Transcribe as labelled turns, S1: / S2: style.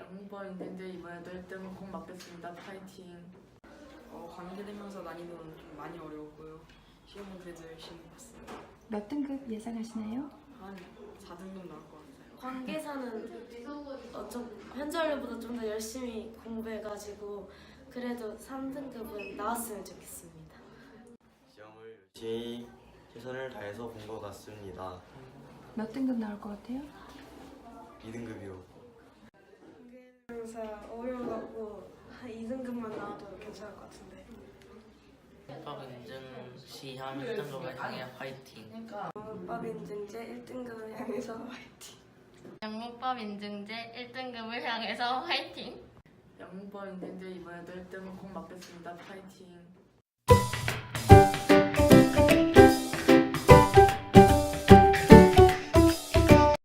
S1: 양문법 인증제 이번에도 1등 꼭 맞겠습니다. 파이팅. 관계대명사 난이도는 좀 많이 어려웠고요. 시험은 그래도 열심히 봤습니다.
S2: 몇 등급 예상하시나요?
S1: 한 4등급 나올 것 같아요.
S3: 관계사는 좀 현저일보다 좀 더 열심히 공부해가지고 그래도 3등급은 나왔으면 좋겠습니다.
S4: 시험을 열심히 최선을 다해서 본 것 같습니다.
S2: 몇 등급 나올 것 같아요?
S4: 2등급이요.
S3: 관계대명사 어려워갖고 한 2등급만 나와도 괜찮을 것 같은데.
S5: 문법 인증 시험 1등급을 향해 화이팅!
S3: 문법 인증제 1등급을 향해서 화이팅!
S6: 영문법 인증제 1등급을 향해서 화이팅!
S1: 양문법 인증제 이번에도 1등 꼭 맞겠습니다. 파이팅.